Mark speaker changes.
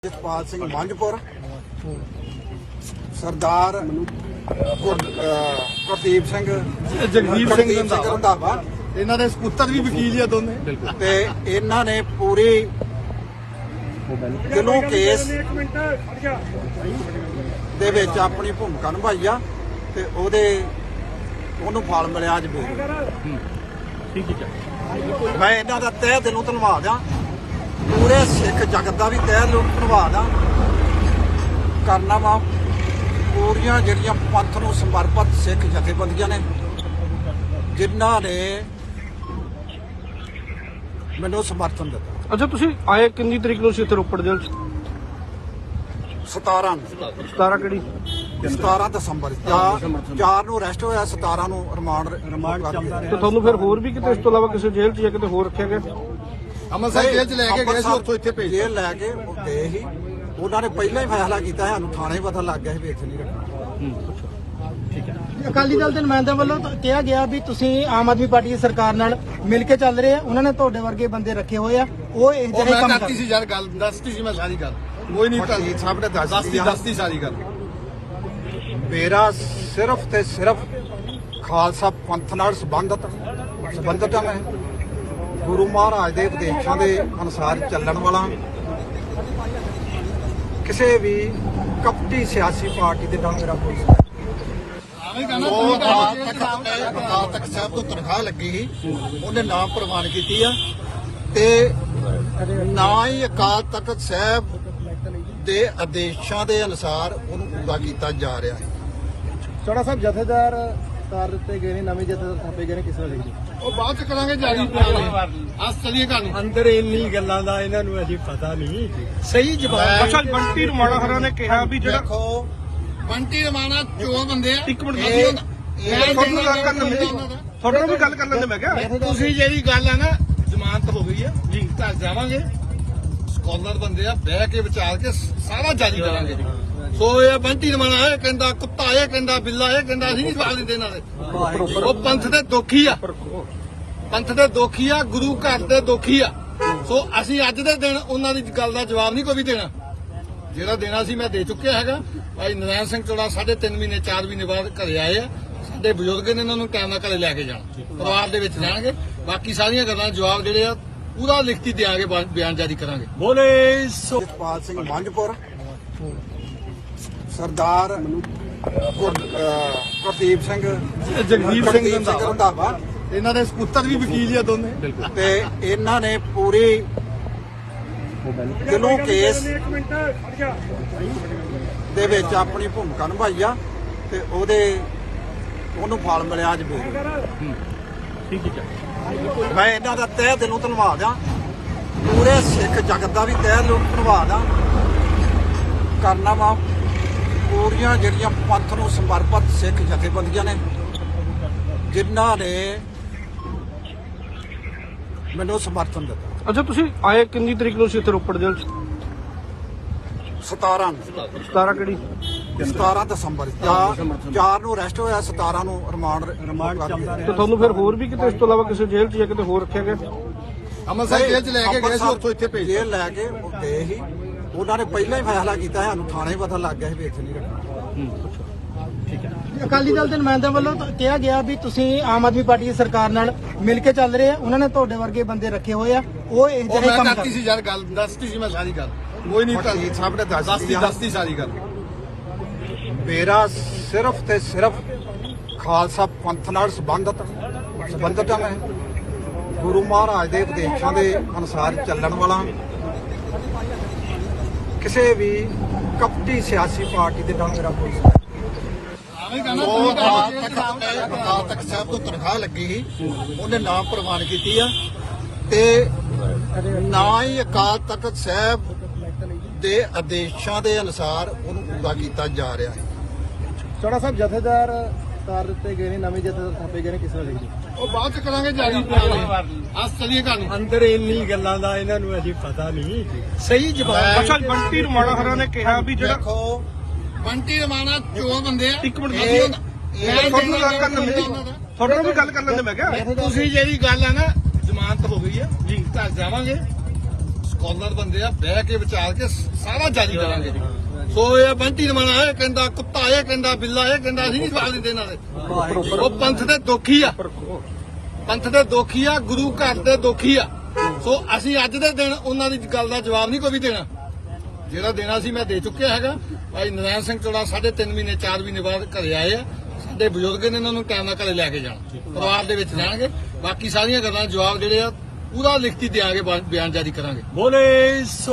Speaker 1: ਜਸਪਾਲ ਸਿੰਘ ਮੰਝਪੁਰ ਸਰਦਾਰ ਗੁਰਦੀਪ ਸਿੰਘ
Speaker 2: ਜਗਦੀਪ ਸਿੰਘ
Speaker 1: ਰੰਧਾਵਾ
Speaker 2: ਇਹਨਾਂ ਦੇ ਸਪੁੱਤਰ ਵੀ ਵਕੀਲ ਹੀ ਆ ਦੋਨੇ
Speaker 1: ਤੇ ਇਹਨਾਂ ਨੇ ਪੂਰੀ ਦਿਲੋਂ ਕੇਸ ਦੇ ਵਿੱਚ ਆਪਣੀ ਭੂਮਿਕਾ ਨਿਭਾਈ ਆ ਤੇ ਉਹਨੂੰ ਫਲ ਮਿਲਿਆ ਅੱਜ ਵੀ
Speaker 2: ਠੀਕ ਹੈ।
Speaker 1: ਮੈਂ ਇਹਨਾਂ ਦਾ ਤਹਿ ਦਿਲੋਂ ਧੰਨਵਾਦ ਆ ਪੂਰੇ ਸਿੱਖ ਜਗਤ ਦਾ ਵੀ ਤਹਿ ਦਿਲੋਂ ਧੰਨਵਾਦ ਆ ਕਰਨਾ ਵਾ ਪੂਰੀਆਂ ਜਿਹੜੀਆਂ ਪੰਥ ਨੂੰ ਸਮਰਪਿਤ ਸਿੱਖ ਜਥੇਬੰਦੀਆਂ ਨੇ ਜਿਨ੍ਹਾਂ ਨੇ ਮੈਨੂੰ ਸਮਰਥਨ ਦਿੱਤਾ।
Speaker 2: ਅੱਛਾ, ਤੁਸੀਂ ਆਏ ਕਿੰਨੀ ਤਰੀਕ ਨੂੰ ਸੀ ਇੱਥੇ ਰੋਪੜ ਜੇਲ੍ਹ 'ਚ?
Speaker 1: 17
Speaker 2: ਕਿਹੜੀ?
Speaker 1: 17 ਦਸੰਬਰ 4 ਨੂੰ ਅਰੈਸਟ ਹੋਇਆ, 17 ਨੂੰ ਰਿਮਾਂਡ ਚੱਲਦਾ
Speaker 2: ਤੇ ਤੁਹਾਨੂੰ ਫਿਰ ਹੋਰ ਵੀ ਕਿਤੇ ਇਸ ਤੋਂ ਇਲਾਵਾ ਕਿਸੇ ਜੇਲ੍ਹ 'ਚ ਜਾਂ ਕਿਤੇ ਹੋਰ ਰੱਖਿਆ ਗਿਆ?
Speaker 1: ਅੰਮ੍ਰਿਤਸਰ ਜੇਲ੍ਹ 'ਚ ਲੈ ਕੇ ਗਏ ਸੀ, ਉੱਥੋਂ ਇੱਥੇ ਭੇਜ ਜੇਲ੍ਹ ਲੈ ਕੇ ਗਏ ਸੀ। ਉਹਨਾਂ ਨੇ ਪਹਿਲਾਂ ਹੀ ਫੈਸਲਾ ਕੀਤਾ ਹੈ, ਸਾਨੂੰ ਥਾਣੇ ਪਤਾ ਲੱਗ ਗਿਆ ਸੀ ਵੀ ਇੱਥੇ ਨਹੀਂ ਰੱਖਣਾ।
Speaker 3: ਅਕਾਲੀ ਦਲ ਦੇ ਨੁਮਾਇੰਦਿਆਂ ਵੱਲੋਂ ਤਾਂ ਕਿਹਾ ਗਿਆ ਵੀ ਤੁਸੀਂ ਆਮ ਆਦਮੀ ਪਾਰਟੀ ਦੀ ਸਰਕਾਰ ਨਾਲ ਮਿਲ ਕੇ ਚੱਲ ਰਹੇ ਆ, ਉਹਨਾਂ ਨੇ ਤੁਹਾਡੇ ਵਰਗੇ ਬੰਦੇ ਰੱਖੇ ਹੋਏ ਆ, ਉਹ ਇਹ ਜਿਹੜੇ ਕੰਮ
Speaker 2: ਕਰਤੀ ਸੀ ਯਾਰ, ਗੱਲ ਦੱਸਤੀ ਸੀ ਮੈਂ ਸਾਰੀ ਗੱਲ, ਕੋਈ ਨਹੀਂ
Speaker 1: ਵਕੀਲ ਸਾਹਿਬ ਨੇ
Speaker 2: ਦੱਸਤੀ ਸਾਰੀ ਗੱਲ।
Speaker 1: ਮੇਰਾ ਸਿਰਫ ਤੇ ਸਿਰਫ ਖਾਲਸਾ ਪੰਥ ਨਾਲ ਸੰਬੰਧਤ ਹਾਂ। ਮੈਂ ਗੁਰੂ ਮਹਾਰਾਜ ਦੇ ਉਪਦੇਸ਼ਾਂ ਦੇ ਅਨੁਸਾਰ ਚੱਲਣ ਵਾਲਾ, ਕਿਸੇ ਵੀ ਕਪਟੀ ਸਿਆਸੀ ਪਾਰਟੀ ਦੇ ਨਾਲ ਮੇਰਾ ਕੋਈ ਅਕਾਲ ਤਖਤ ਸਾਹਿਬ ਤੋਂ ਤਨਖਾਹ ਲੱਗੀ ਸੀ, ਉਹਨੇ ਨਾਮ ਪ੍ਰਵਾਨ ਕੀਤੀ ਆ ਤੇ ਨਾ ਹੀ ਅਕਾਲ ਤਖਤ ਸਾਹਿਬ ਦੇ ਆਦੇਸ਼ਾਂ ਦੇ ਅਨੁਸਾਰ ਉਹਨੂੰ ਪੂਰਾ ਕੀਤਾ ਜਾ ਰਿਹਾ ਹੈ।
Speaker 3: ਚੌੜਾ ਸਾਹਿਬ ਜਥੇਦਾਰ ਤਾਰ ਦਿੱਤੇ ਗਏ ਨੇ, ਨਵੇਂ ਜਥੇਦਾਰ ਥਾਪੇ ਗਏ ਨੇ, ਕਿਸ ਤਰ੍ਹਾਂ ਦੇਖਦੇ?
Speaker 2: ਉਹ ਬਾਅਦ ਚ ਕਰਾਂਗੇ ਜਾਰੀ ਅੱਜ ਚਲੀਏ ਕਹਾਣੀ
Speaker 3: ਅੰਦਰ ਇੰਨੀ ਗੱਲਾਂ ਦਾ ਇਹਨਾਂ ਨੂੰ ਅਜੇ ਪਤਾ ਨਹੀਂ ਸਹੀ ਜਵਾਬ।
Speaker 2: ਅੱਛਾ, ਬੰਟੀ ਰਮਾਣਾ ਹਰਾਂ ਨੇ ਕਿਹਾ ਵੀ ਜਿਹੜਾ
Speaker 1: ਦੇਖੋ
Speaker 2: ਬੰਟੀ ਰਮਾਣਾ ਚੋਰ ਬੰਦੇ ਆ। ਇੱਕ ਮਿੰਟ
Speaker 1: ਤੁਹਾਡੇ
Speaker 2: ਨਾਲ ਗੱਲ ਕਰ ਲੈਂਦੇ, ਤੁਹਾਡੇ ਨਾਲ ਵੀ ਗੱਲ ਕਰ ਲੈਂਦੇ। ਮੈਂ ਕਿਹਾ ਤੁਸੀਂ ਜਿਹੜੀ ਗੱਲ ਆ ਨਾ, ਜ਼ਮਾਨਤ ਹੋ ਗਈ ਆ ਜੀ, ਘਰ ਜਾਵਾਂਗੇ, ਸਕਾਲਰ ਬੰਦੇ ਆ, ਬਹਿ ਕੇ ਵਿਚਾਰ ਕੇ ਸਾਰਾ ਜਾਰੀ ਕਰਾਂਗੇ। ਸੋ ਇਹ ਬੰਟੀ ਰਮਾਣਾ ਇਹ ਕਹਿੰਦਾ, ਕੁੱਤਾ ਇਹ ਕਹਿੰਦਾ, ਬਿੱਲਾ ਇਹ ਕਹਿੰਦਾ, ਅਸੀਂ ਨਹੀਂ ਸਵਾਲ ਦਿੰਦੇ ਇਹਨਾਂ ਦੇ। ਉਹ ਪੰਥ ਦੇ ਦੋਖੀ ਆ, ਪੰਥ ਦੇ ਦੋਖੀ ਆ, ਗੁਰੂ ਘਰ ਦੇ ਦੋਖੀ ਆ। ਸੋ ਅਸੀਂ ਅੱਜ ਦੇ ਦਿਨ ਉਹਨਾਂ ਦੀ ਗੱਲ ਦਾ ਜਵਾਬ ਨਹੀਂ ਕੋਈ ਵੀ ਦੇਣਾ, ਜਿਹੜਾ ਦੇਣਾ ਸੀ ਮੈਂ ਦੇ ਚੁੱਕਿਆ ਹੈਗਾ। ਭਾਈ ਨਰਾਇਣ ਸਿੰਘ ਚੋੜਾ 3.5 ਮਹੀਨੇ 4 ਮਹੀਨੇ ਬਾਅਦ ਘਰੇ ਆਏ ਆ। ਸਾਡੇ ਬਜ਼ੁਰਗ ਨੇ ਇਹਨਾਂ ਨੂੰ ਟਾਈਮ ਨਾਲ ਘਰੇ ਲੈ ਕੇ ਜਾਣਾ, ਪਰਿਵਾਰ ਦੇ ਵਿੱਚ ਰਹਿਣਗੇ। ਬਾਕੀ ਸਾਰੀਆਂ ਗੱਲਾਂ ਜਵਾਬ ਜਿਹੜੇ ਆ ਪੂਰਾ ਲਿਖਤੀ ਦਿਆਂਗੇ, ਬਿਆਨ ਜਾਰੀ ਕਰਾਂਗੇ। ਬੋਲੇ
Speaker 1: ਜਸਪਾਲ ਸਿੰਘ ਮੰਝਪੁਰ ਸਰਦਾਰ ਗੁਰਦੀਪ ਸਿੰਘ
Speaker 2: ਜਗਦੀਪ ਸਿੰਘ
Speaker 1: ਰੰਧਾਵਾ
Speaker 2: ਇਹਨਾਂ ਦੇ ਸਪੁੱਤਰ ਵੀ ਵਕੀਲ ਹੀ ਆ ਦੋਨੇ
Speaker 1: ਤੇ ਇਹਨਾਂ ਨੇ ਪੂਰੀ ਦਿਲੋਂ ਕੇਸ ਦੇ ਵਿੱਚ ਆਪਣੀ ਭੂਮਿਕਾ ਨਿਭਾਈ ਆ ਤੇ ਉਹਨੂੰ ਫਲ ਮਿਲਿਆ ਅੱਜ ਵੀ
Speaker 2: ਠੀਕ ਹੈ।
Speaker 1: ਮੈਂ ਇਹਨਾਂ ਦਾ ਤਹਿ ਦਿਲੋਂ ਧੰਨਵਾਦ ਆ ਪੂਰੇ ਸਿੱਖ ਜਗਤ ਦਾ ਵੀ ਤਹਿ ਦਿਲੋਂ ਧੰਨਵਾਦ ਆ ਕਰਨਾ ਵਾ ਪੂਰੀਆਂ ਜਿਹੜੀਆਂ ਪੰਥ ਨੂੰ ਸਮਰਪਿਤ ਸਿੱਖ ਜਥੇਬੰਦੀਆਂ ਨੇ ਜਿਨ੍ਹਾਂ ਨੇ ਮੈਨੂੰ ਸਮਰਥਨ ਦਿੱਤਾ।
Speaker 2: ਅੱਛਾ, ਤੁਸੀਂ ਆਏ ਕਿੰਨੀ ਤਰੀਕ ਨੂੰ ਸੀ ਇੱਥੇ ਰੋਪੜ ਜੇਲ੍ਹ 'ਚ?
Speaker 1: 17
Speaker 2: ਕਿਹੜੀ?
Speaker 1: 17 ਦਸੰਬਰ 4 ਨੂੰ ਅਰੈਸਟ ਹੋਇਆ, 17 ਨੂੰ ਰਿਮਾਂਡ ਚੱਲਦਾ।
Speaker 2: ਤੇ ਤੁਹਾਨੂੰ ਫਿਰ ਹੋਰ ਵੀ ਕਿਤੇ ਇਸ ਤੋਂ ਇਲਾਵਾ ਕਿਸੇ ਜੇਲ੍ਹ 'ਚ ਜਾਂ ਕਿਤੇ ਹੋਰ ਰੱਖਿਆ ਗਿਆ?
Speaker 1: ਅੰਮ੍ਰਿਤਸਰ ਜੇਲ੍ਹ 'ਚ ਲੈ ਕੇ ਗਏ ਸੀ, ਉੱਥੋਂ ਇੱਥੇ ਭੇਜ ਜੇਲ੍ਹ ਲੈ ਕੇ ਗਏ ਸੀ। ਉਹਨਾਂ ਨੇ ਪਹਿਲਾਂ ਹੀ ਫੈਸਲਾ ਕੀਤਾ ਹੈ, ਸਾਨੂੰ ਥਾਣੇ ਪਤਾ ਲੱਗ ਗਿਆ ਸੀ ਵੀ ਇੱਥੇ ਨਹੀਂ ਰੱਖਣਾ।
Speaker 3: ਅਕਾਲੀ ਦਲ ਦੇ ਨੁਮਾਇੰਦਿਆਂ ਵੱਲੋਂ ਤਾਂ ਕਿਹਾ ਗਿਆ ਵੀ ਤੁਸੀਂ ਆਮ ਆਦਮੀ ਪਾਰਟੀ ਦੀ ਸਰਕਾਰ ਨਾਲ ਮਿਲ ਕੇ ਚੱਲ ਰਹੇ ਆ, ਉਹਨਾਂ ਨੇ ਤੁਹਾਡੇ ਵਰਗੇ ਬੰਦੇ ਰੱਖੇ ਹੋਏ ਆ, ਉਹ ਇਹ ਜਿਹੜੇ ਕੰਮ
Speaker 2: ਕਰਤੀ ਸੀ ਯਾਰ, ਗੱਲ ਦੱਸਤੀ ਸੀ ਮੈਂ ਸਾਰੀ ਗੱਲ, ਕੋਈ ਨਹੀਂ
Speaker 1: ਵਕੀਲ ਸਾਹਿਬ ਨੇ
Speaker 2: ਦੱਸਤੀ ਸਾਰੀ ਗੱਲ।
Speaker 1: ਮੇਰਾ ਸਿਰਫ ਤੇ ਸਿਰਫ ਖਾਲਸਾ ਪੰਥ ਨਾਲ ਸੰਬੰਧਤ ਹਾਂ। ਮੈਂ ਗੁਰੂ ਮਹਾਰਾਜ ਦੇ ਉਪਦੇਸ਼ਾਂ ਦੇ ਅਨੁਸਾਰ ਚੱਲਣ ਵਾਲਾ, ਕਿਸੇ ਵੀ ਕਪਟੀ ਸਿਆਸੀ ਪਾਰਟੀ ਦੇ ਨਾਲ ਮੇਰਾ ਕੋਈ ਅਕਾਲ ਤਖਤ ਸਾਹਿਬ ਤੋਂ ਤਨਖਾਹ ਲੱਗੀ ਸੀ, ਉਹਨੇ ਨਾਮ ਪ੍ਰਵਾਨ ਕੀਤੀ ਆ ਤੇ ਨਾ ਹੀ ਅਕਾਲ ਤਖਤ ਸਾਹਿਬ ਦੇ ਆਦੇਸ਼ਾਂ ਦੇ ਅਨੁਸਾਰ ਉਹਨੂੰ ਪੂਰਾ ਕੀਤਾ ਜਾ ਰਿਹਾ ਹੈ।
Speaker 3: ਚੌੜਾ ਸਾਹਿਬ ਜਥੇਦਾਰ ਤਾਰ ਦਿੱਤੇ ਗਏ ਨੇ, ਨਵੇਂ ਜਥੇਦਾਰ ਥਾਪੇ ਗਏ ਨੇ, ਕਿਸ ਤਰ੍ਹਾਂ ਦੇਖਦੇ?
Speaker 2: ਉਹ ਬਾਅਦ ਚ ਕਰਾਂਗੇ ਜਾਰੀ ਅੱਜ ਚਲੀਏ ਕਹਾਣੀ
Speaker 3: ਅੰਦਰ ਇੰਨੀ ਗੱਲਾਂ ਦਾ ਇਹਨਾਂ ਨੂੰ ਅਜੇ ਪਤਾ ਨਹੀਂ ਸਹੀ ਜਵਾਬ।
Speaker 2: ਅੱਛਾ, ਬੰਟੀ ਰਮਾਣਾ ਹਰਾਂ ਨੇ ਕਿਹਾ ਵੀ ਜਿਹੜਾ
Speaker 1: ਦੇਖੋ
Speaker 2: ਬੰਟੀ ਰਮਾਣਾ ਚੋਰ ਬੰਦੇ ਆ। ਇੱਕ ਮਿੰਟ ਤੁਹਾਡੇ ਨਾਲ ਵੀ ਗੱਲ ਕਰ ਲੈਂਦੇ। ਮੈਂ ਕਿਹਾ ਤੁਸੀਂ ਜਿਹੜੀ ਗੱਲ ਆ ਨਾ, ਜ਼ਮਾਨਤ ਹੋ ਗਈ ਆ ਜੀ, ਘਰ ਜਾਵਾਂਗੇ, ਸਕਾਲਰ ਬੰਦੇ ਆ, ਬਹਿ ਕੇ ਵਿਚਾਰ ਕੇ ਸਾਰਾ ਜਾਰੀ ਕਰਾਂਗੇ ਜੀ। ਸੋ ਇਹ ਬੰਟੀ ਨਮਾਣਾ ਇਹ ਕਹਿੰਦਾ, ਕੁੱਤਾ ਇਹ ਕਹਿੰਦਾ, ਬਿੱਲਾ ਇਹ ਕਹਿੰਦਾ, ਅਸੀਂ ਨਹੀਂ ਜਵਾਬ ਦਿੰਦੇ ਇਹਨਾਂ ਦੇ। ਉਹ ਪੰਥ ਦੇ ਦੋਖੀ ਆ, ਪੰਥ ਦੇ ਦੋਖੀ ਆ, ਗੁਰੂ ਘਰ ਦੇ ਦੋਖੀ ਆ। ਸੋ ਅਸੀਂ ਅੱਜ ਦੇ ਦਿਨ ਉਹਨਾਂ ਦੀ ਗੱਲ ਦਾ ਜਵਾਬ ਨਹੀਂ ਕੋਈ ਵੀ ਦੇਣਾ। ਜਿਹੜਾ ਦੇਣਾ ਸੀ ਮੈਂ ਦੇ ਚੁੱਕਿਆ ਹੈਗਾ। ਭਾਈ ਨਰਾਇਣ ਸਿੰਘ ਚੋੜਾ 3.5 ਮਹੀਨੇ 4 ਮਹੀਨੇ ਬਾਅਦ ਘਰੇ ਆਏ ਆ। ਸਾਡੇ ਬਜ਼ੁਰਗ ਨੇ ਇਹਨਾਂ ਨੂੰ ਟਾਈਮ ਨਾਲ ਘਰੇ ਲੈ ਕੇ ਜਾਣਾ, ਪਰਿਵਾਰ ਦੇ ਵਿੱਚ ਜਾਣਗੇ। ਬਾਕੀ ਸਾਰੀਆਂ ਗੱਲਾਂ ਜਵਾਬ ਜਿਹੜੇ ਆ ਪੂਰਾ ਲਿਖਤੀ ਦਿਆਂਗੇ, ਬਿਆਨ ਜਾਰੀ ਕਰਾਂਗੇ।
Speaker 4: ਬੋਲੇ